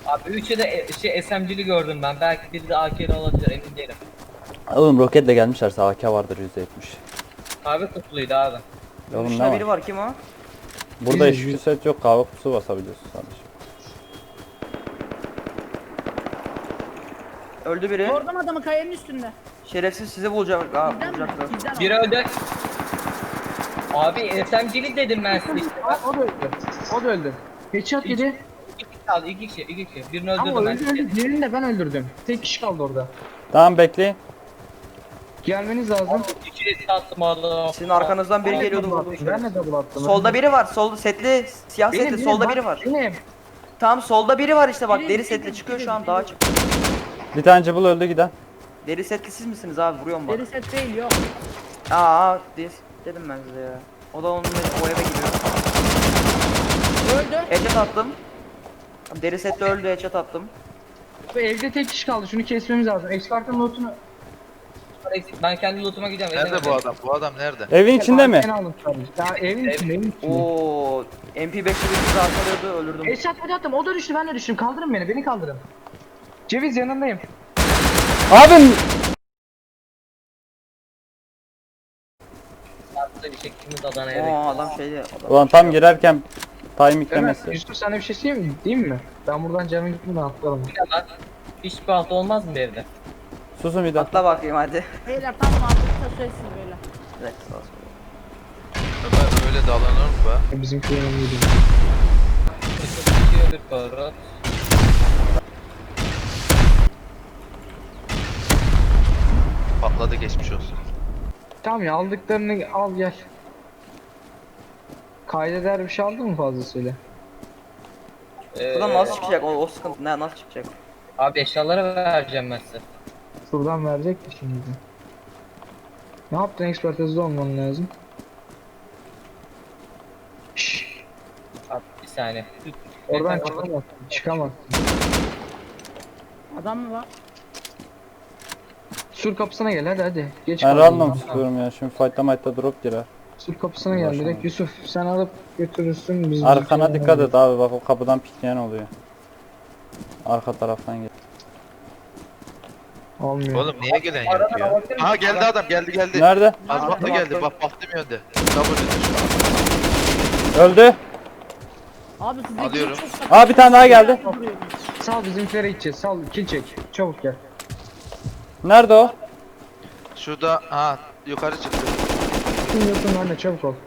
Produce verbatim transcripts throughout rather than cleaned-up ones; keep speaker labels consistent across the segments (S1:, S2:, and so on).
S1: Abi üçü de e, şey S M G'li gördüm ben. Belki biri de A K'li olabilir, emin değilim.
S2: Oğlum roketle gelmişlerse A K vardır yüzde yetmiş.
S1: Kahve kutluydu abi.
S2: Oğlum ne
S3: Dışında
S2: var?
S3: biri var, kim o?
S2: Burada
S4: Biziz,
S2: hiçbir
S4: biz.
S2: set yok, kahve kutusu basabiliyorsun sadece.
S3: Öldü biri.
S5: Gördüm adamı kayanın üstünde.
S3: Şerefsiz sizi bulacak. Aa,
S5: Bizden mi?
S3: bulacaklar.
S5: Bizden
S1: Biri öldü. Abi S M G'li dedim ben size işte.
S4: Aa, o da öldü. O da öldü. Headshot yedi.
S1: İki kişi kaldı, iki kişi, iki kişi. Birini
S4: Ama
S1: öldürdüm ben
S4: öldü
S1: size.
S4: öldü. Diğerini de ben öldürdüm. Tek kişi kaldı orada.
S2: Tamam bekleyin.
S4: Gelmeniz lazım.
S1: İki de attım adam.
S3: Sizin arkanızdan biri
S4: Ben de
S3: geliyordu,
S4: double
S3: vurdu
S4: attım, Ben de
S3: şerefsiz.
S4: double attım.
S3: Solda biri var. Solda setli, siyah
S4: Benim,
S3: setli.
S4: benim,
S3: Solda
S4: bak,
S3: biri var.
S4: Benim.
S3: Tamam, solda biri var işte bak.
S5: Benim,
S3: Deri
S5: benim,
S3: setli çıkıyor
S5: benim,
S3: şu an,
S5: benim.
S3: daha çık.
S2: Bir tane cıbıl öldü giden.
S3: Deri setli siz misiniz abi? Vuruyorum bak.
S5: Deri set değil yok.
S3: Aa, des dedim ben size ya. O da onun o eve gidiyor.
S5: Öldü.
S3: Headshot attım. Deri setli öldü, headshot attım.
S4: Bu evde tek kişi kaldı. Şunu kesmemiz lazım. Expert'ın lootunu.
S1: Ben kendi lootuma gidiyorum.
S6: Nerede bu
S1: edemem.
S6: adam? Bu adam nerede?
S2: Evin içinde mi?
S4: Ben aldım sadece. Ya evin içinde, evin içinde.
S3: Oo, M P beşli bizi arkalıyordu, öldürdüm.
S4: Headshot hadi attım. O da düştü, ben de düştüm. Kaldırın beni, beni kaldırın. Ceviz yanındayım.
S2: Abim!
S1: Artık bir şeklimiz Adana'ya
S3: Oo,
S1: bekliyor.
S3: adam şeydi. Adam
S2: Ulan tam girerken time
S4: Ömer,
S2: yüklemesi.
S4: Yusuf sana bir şey söyleyeyim mi? Değil mi? Ben buradan canım gitmeden atlarım.
S1: Bir de lan, hiçbir hafta olmaz mı bir evde?
S2: Susun bir dakika.
S3: Atla bakayım hadi.
S5: Beyler tamam artık söylesiz böyle.
S3: Evet, sağ olsun.
S6: Ömer öyle dalanır mı be?
S4: Bizimki önemliydi.
S1: Çıkıyor bir para.
S6: Patladı, geçmiş olsun.
S4: Tamam ya, aldıklarını al gel. Kaydeder bir şey aldın mı fazlasıyla?
S1: Ee,
S3: Buradan nasıl çıkacak? O, o sıkıntı ne, nasıl çıkacak?
S1: Abi eşyalara vereceğim ben size.
S4: Şuradan verecek mi şimdi? Ne yaptın, expert hızlı olman lazım. Şşş,
S1: Abi bir saniye.
S4: oradan
S1: Efendim,
S4: çıkamazsın, çıkamazsın.
S5: Adam mı var?
S4: Sur kapısına gel hadi hadi. Geç
S2: Ben
S4: kaldın
S2: random
S4: ya.
S2: tutuyorum ya. Şimdi fight'ta might'ta drop girer.
S4: Sur kapısına gel
S2: Uğraşamam.
S4: direkt. Yusuf sen alıp götürürsün biz.
S2: Arkana dikkat et abi, bak o kapıdan pikleyen oluyor. Arka taraftan gel.
S4: Olmuyor.
S6: Oğlum niye gelen yok ya? Aha geldi adam, geldi geldi.
S2: Nerede?
S6: Azmatla geldi, bak baktım yönde. W'de şu
S2: Öldü.
S5: Abi size
S6: Alıyorum.
S5: çok saçma
S2: Aa bir tane daha geldi.
S5: duruyor.
S4: Sal bizimkilere gideceğiz. Sal kill çek. Çabuk gel.
S2: Nerede o?
S6: an. Şurada, aha yukarı çıktı.
S4: Kim yoksun anne, çabuk ol.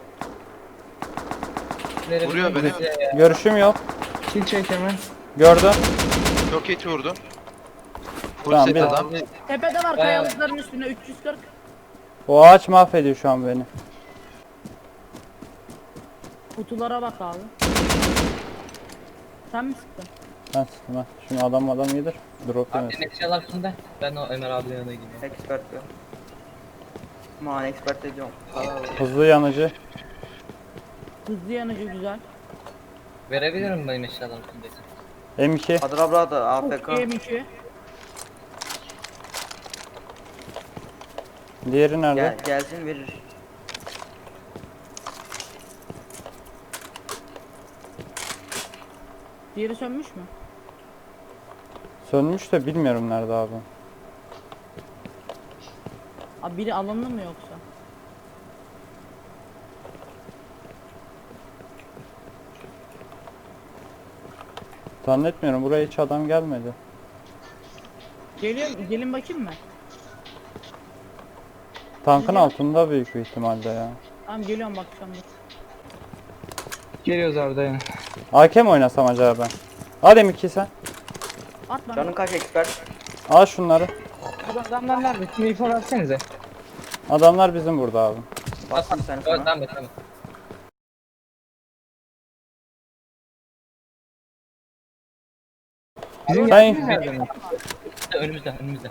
S6: Vuruyor beni.
S2: Görüşüm yok.
S4: Kill çek hemen.
S2: Gördüm.
S6: Çok hiç vurdum. Full
S2: Tamam,
S6: set
S2: bir-
S6: adam.
S5: Tepede var kayalıkların üstünde üç yüz kırk.
S2: O ağaç mahvediyor şu an beni.
S5: Kutulara bak abi. Sen mi sıktın?
S2: Ben sıktım ha. Şimdi adam adam yedir. Drop
S1: Abi
S2: yemesin.
S1: benim eşyalar kimde? Ben o Ömer abinin yanına gideyim.
S3: Expert diyor. Aman expert de diyorum. Aa,
S2: Hızlı yanıcı.
S5: Hızlı yanıcı güzel.
S1: Verebilirim benim eşyalar kimdeyse.
S2: M iki.
S3: Adrabra da A F K.
S5: M iki.
S2: Diğeri nerede?
S3: Gel, gelsin verir.
S5: Diğeri sönmüş mü?
S2: Sönmüş de bilmiyorum nerede abi.
S5: Abi biri alındı mı yoksa?
S2: Zannetmiyorum, buraya hiç adam gelmedi.
S5: Geliyor, gelin bakayım mı?
S2: Tankın altında büyük bir ihtimalle ya.
S5: Tamam geliyorum bakacağım. dur.
S4: Geliyoruz abi, dayan.
S2: A K mi oynasam acaba ben? Al M iki sen.
S5: At bana.
S3: Canın kaç expert?
S2: Al şunları.
S4: Bu adamlar nerede? Şimdi info versenize.
S2: Adamlar bizim burada abi.
S3: Bastım sen
S1: Evet
S3: sana.
S1: tamam tamam.
S4: Bizim
S2: Ben-
S4: yerimiz nerede mi?
S1: Önümüzde önümüzde.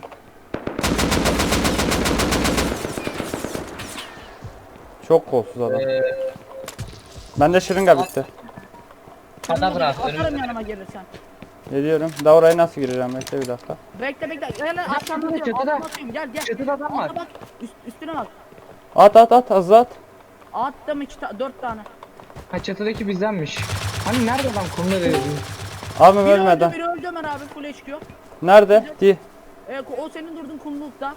S2: Çok kolsuz adam.
S1: Ee,
S2: Bende şırınga bitti.
S1: Hadi bırak
S5: Atarım
S1: önümüzde.
S5: yanıma gelirsen.
S2: Geliyorum. Da oraya nasıl gireceğim? Bekle bir dakika.
S5: Bekle bekle. Gel arkamda
S4: çatıda,
S5: atıyorum.
S4: çatıda.
S5: Altıma atıyorum. Gel gel.
S4: Çatıda adam var.
S5: Alta bak. Üst, üstüne bak.
S2: At at at, hızlı at.
S5: Attım iki ta dört tane.
S4: Ha, çatıdaki bizdenmiş. Hani nerede adam, konumda verelim.
S2: Abim
S5: Biri öldü,
S2: ölmeden.
S5: biri öldü Ömer abi, full H Q.
S2: Nerede? Di.
S5: Ee, o senin durduğun kumlulukta.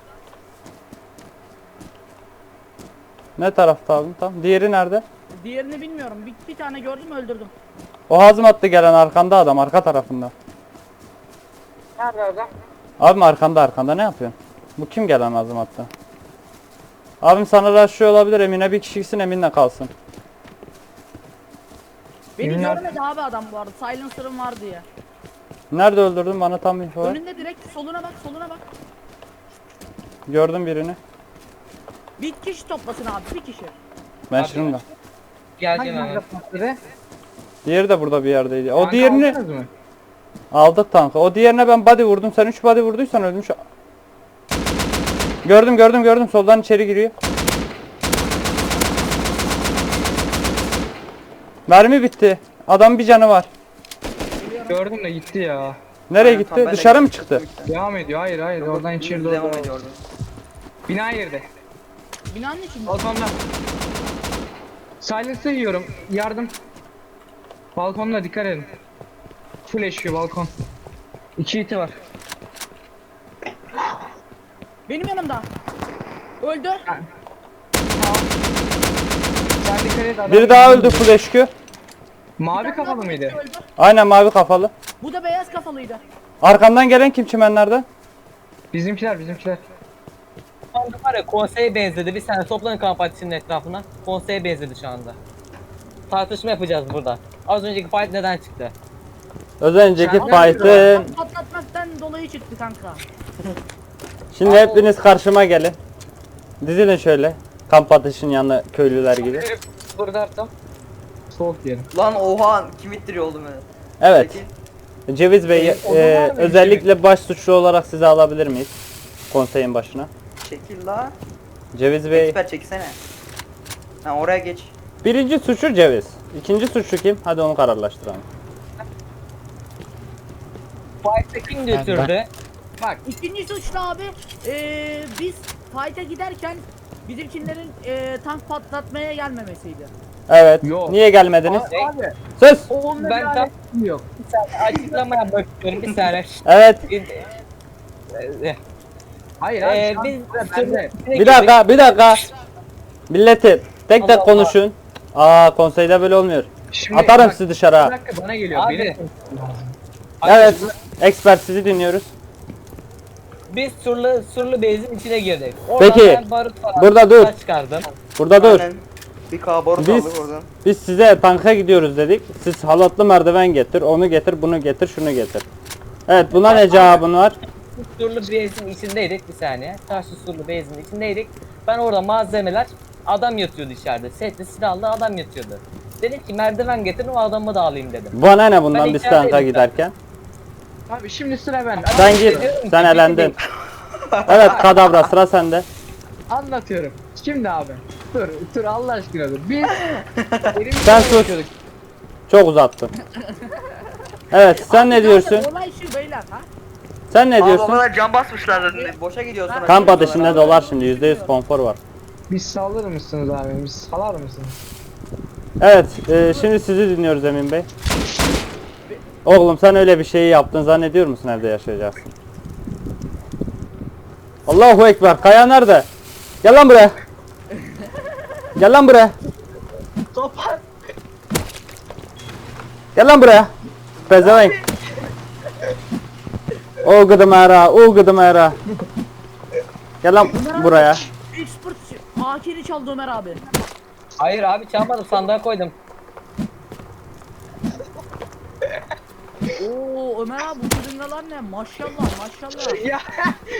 S2: Ne tarafta abim? Tamam. Diğeri nerede?
S5: Diğerini bilmiyorum. Bir, bir tane gördüm, öldürdüm.
S2: O hazım attı gelen arkanda adam, arka tarafında.
S4: Nerede adam?
S2: Abim arkanda arkanda ne yapıyorsun? Bu kim gelen hazım attı? Abim sana rushlıyor olabilir, Emine bir kişisin, Emin'le kalsın.
S5: Beni
S4: Yemin
S5: görmedi abi adam bu arada. Silencer'ım var diye.
S2: Nerede öldürdün, bana tam info ver.
S5: Önünde direkt, soluna bak, soluna bak.
S2: Gördüm birini.
S5: Bir kişi toplasın abi, bir kişi.
S2: Ben
S1: Abi,
S2: şimdi.
S1: Geleceğim
S4: Hangi
S1: hemen.
S4: patladı?
S2: Diğeri de burada bir yerdeydi. O
S4: Kanka
S2: diğerini
S4: aldınız mı?
S2: aldık tankı. O diğerine ben body vurdum. Sen üç body vurduysan ölmüş. Gördüm gördüm gördüm. Soldan içeri giriyor. Mermi bitti. Adam bir canı var.
S4: Gördüm de gitti ya.
S2: Nereye
S3: Aynen,
S2: gitti?
S3: tam ben de
S2: Dışarı mı
S3: gittim.
S2: çıktı?
S4: Devam ediyor. Hayır hayır oradan içeri doğru.
S3: Devam ediyordu.
S4: Bina girdi.
S5: Binanın içinde.
S4: Balkonda. Silence'ı yiyorum. Yardım. Balkonda dikkat edin. Full eşiyor balkon. İki iti var.
S5: Benim yanımda. Öldü.
S4: Sen dikkat et adam.
S2: Biri daha öldü full H Q.
S4: Mavi kafalı mıydı?
S5: Öldü.
S2: Aynen mavi kafalı.
S5: Bu da beyaz kafalıydı.
S2: Arkamdan gelen kim çimenlerden?
S4: Bizimkiler bizimkiler.
S1: Şu anda var ya konseye benzedi. Bir sene toplanın kamp ateşinin etrafına. Konseye benzedi şu anda. Tartışma yapacağız burada. Az önceki fight neden çıktı?
S2: Az önceki
S4: Sen-
S2: fight'ın.
S5: Patlatmaktan dolayı çıktı kanka.
S2: Şimdi hepiniz karşıma gelin. Dizilin şöyle. Kamp ateşinin yanına köylüler gibi.
S4: Burada tam. Soğuk diyelim.
S3: Lan oha kim ittiriyor oğlum beni?
S2: Evet.
S3: Peki.
S2: Ceviz Bey,
S4: Ee, o da
S2: e,
S4: var mı?
S2: özellikle baş suçlu olarak sizi alabilir miyiz? Konseyin başına.
S3: Çekil la.
S2: Ceviz Bey.
S3: Eksper çeksene. Ha oraya geç.
S2: Birinci suçlu Ceviz. İkinci suçlu kim? Hadi onu kararlaştıralım.
S1: Fight'ı kim götürdü?
S5: Bak ikinci suçlu abi, eee biz fight'a giderken bizimkilerin eee tank patlatmaya gelmemesiydi.
S2: Evet.
S4: Yok.
S2: Niye gelmediniz?
S4: Abi.
S2: Sus.
S4: Onunla
S1: Ben
S4: ben
S1: tam-
S4: yok.
S1: Bir saniye açıklama yapmak istiyorum bir saniye.
S2: Evet.
S1: Ee,
S4: Hayır abi.
S1: Ee,
S4: şans
S1: biz
S4: da bende.
S2: Bir dakika, bir dakika. Milletim, tek
S1: Allah
S2: tek
S1: Allah.
S2: konuşun. Aa, konseyde böyle olmuyor.
S4: Şimdi
S2: Atarım
S4: bak,
S2: sizi dışarı. ha.
S4: Bir dakika bana geliyor.
S1: Abi.
S4: Benim
S2: Evet. Expert sizi dinliyoruz.
S1: Biz surlu surlu bezin içine girdik. Oradan
S2: Peki,
S1: ben barut falan
S2: burada dur.
S1: çıkardım.
S2: Burada dur.
S3: Aynen. Bir kabarot
S2: Biz-
S3: aldık oradan.
S2: Biz size tanka gidiyoruz dedik. Siz halatlı merdiven getir, onu getir, bunu getir, şunu getir. Evet, buna ne cevabın var?
S1: Surlu bezin içindeydik bir saniye. Taşlı surlu bezin içindeydik. Ben orada malzemeler adam yatıyordu içeride. Setli silahlı adam yatıyordu. Dedim ki merdiven getirin o adamı da alayım dedim.
S2: Bana ne bundan
S1: Ben
S2: biz
S1: içerideydim
S2: tanka
S1: ben.
S2: giderken?
S4: Abi şimdi sıra bende.
S2: Sen git,
S1: Diyorum ki,
S2: sen
S1: bir
S2: elendin.
S1: değil.
S2: Evet, kadavra sıra sende.
S4: Anlatıyorum. Şimdi abi. Dur, dur Allah aşkına dur. Biz elimizle
S2: Sen sus.
S4: uğraşıyorduk.
S2: Çok uzattın. Evet, sen ne diyorsun?
S5: Olay şu beyler ha.
S2: Sen ne
S3: Abi o
S2: diyorsun?
S3: kadar can basmışlar zaten. Boşa gidiyorsun.
S2: Kamp ateşinde dolar şimdi, yüzde yüz konfor var.
S4: Biz salır mısınız abi? Biz salar mısınız?
S2: Evet, e, şimdi sizi dinliyoruz Emin Bey. Oğlum sen öyle bir şeyi yaptın zannediyor musun evde yaşayacaksın? Allahu Ekber, Kaya nerede? Gel lan buraya. Gel lan buraya.
S4: Kapat.
S2: Gel lan buraya. Pezevenk. O gıdım era, o gıdım era. Gel lan buraya.
S5: Expert A K'ni çaldı Ömer abi.
S1: Hayır abi çalmadım sandığa koydum.
S5: Oo Ömer abi bu kırıngalar ne? Maşallah maşallah.
S4: Ya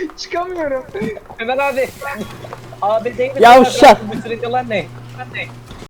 S4: çıkamıyorum.
S1: Ömer abi. Abi değil mi?
S2: Yavşak.
S1: Bu sürücüler ne?